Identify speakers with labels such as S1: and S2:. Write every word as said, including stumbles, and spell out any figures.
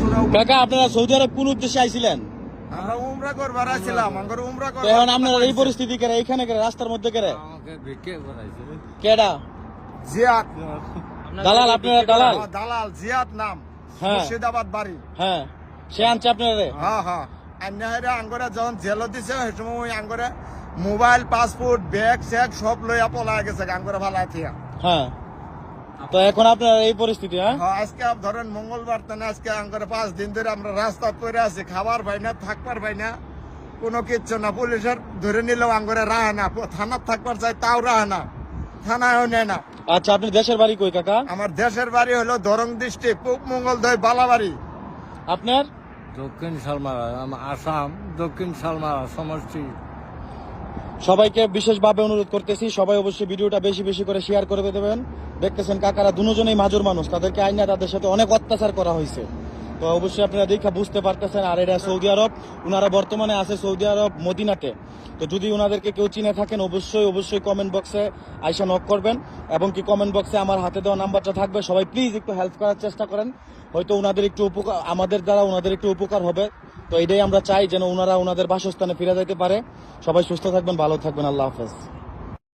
S1: কাকা আপনারা সৌদি আরব কোন উদ্দেশ্যে আইছিলেন?
S2: আমরা উমরা করবার আইছিলাম, আমরা উমরা
S1: তো
S2: করবার।
S1: এখন আপনারা এই পরিস্থিতি করে এইখানে করে রাস্তার মধ্যে করে
S3: আমাকে ভিক্ষে করাইছে।
S1: কেডা
S2: জিয়াদ
S1: দালাল? আপনারা দালাল?
S2: হ্যাঁ, দালাল জিয়াদ নাম,
S1: হ্যাঁ।
S2: মুর্শিদাবাদ বাড়ি।
S1: হ্যাঁ, সে আনছে আপনারা?
S2: হ্যাঁ হ্যাঁ আন্যাহারে আঙ্গরে যখন জেল দিছে সেই সময় ওই আঙ্গরে মোবাইল, পাসপোর্ট, ব্যাগ স্যাগ সব লইয়া পলায় গেছে আঙ্গরে ভালাই থিয়া।
S1: হ্যাঁ, তো এখন আপনার এই পরিস্থিতি? হ্যাঁ,
S2: হ্যাঁ, আজকে ধরেন মঙ্গলবার তানে আজকে আঙ্গরে পাঁচ দিন ধরে আমরা রাস্তা পরে আছি, খাবার পাই না, থাকবার পাই না, কোনো কিচ্ছু না। পুলিশের ধরে নিলেও আঙ্গরে রাহে না, থানার থাকবার চাই তাও রাহে না, থানায়ও নেয় না।
S1: আচ্ছা, আপনি দেশের বাড়ি কই কাকা?
S2: আমার দেশের বাড়ি হলো দরং ডিস্ট্রিক্ট, পূব মঙ্গলদৈ, বালাবাড়ি।
S1: আপনার?
S3: দক্ষিণ শালমারা, আসাম দক্ষিণ শালমারা সমষ্টি।
S1: সবাইকে বিশেষভাবে অনুরোধ করতেছি, সবাই অবশ্যই ভিডিওটা বেশি বেশি করে শেয়ার করে দেবেন। দেখতেছেন কাকারা দুজনেই মাজুর মানুষ, তাদেরকে আইনা তাদের সাথে অনেক অত্যাচার করা হয়েছে। তো অবশ্যই আপনারা দেখা বুঝতে পারতেছেন। আর এটা সৌদি আরব, ওনারা বর্তমানে আছে সৌদি আরব মদিনাতে। তো যদি ওনাদেরকে কেউ চিনে থাকেন অবশ্যই অবশ্যই কমেন্ট বক্সে আইসা নক করবেন, এবং কি কমেন্ট বক্সে আমার হাতে দেওয়া নাম্বারটা থাকবে। সবাই প্লিজ একটু হেল্প করার চেষ্টা করেন, হয়তো ওনাদের একটু উপকার, আমাদের দ্বারা ওনাদের একটু উপকার হবে। তো এটাই আমরা চাই, যেন ওনারা ওনাদের বাসস্থানে ফিরে যেতে পারে। সবাই সুস্থ থাকবেন, ভালো থাকবেন, আল্লাহ হাফেজ।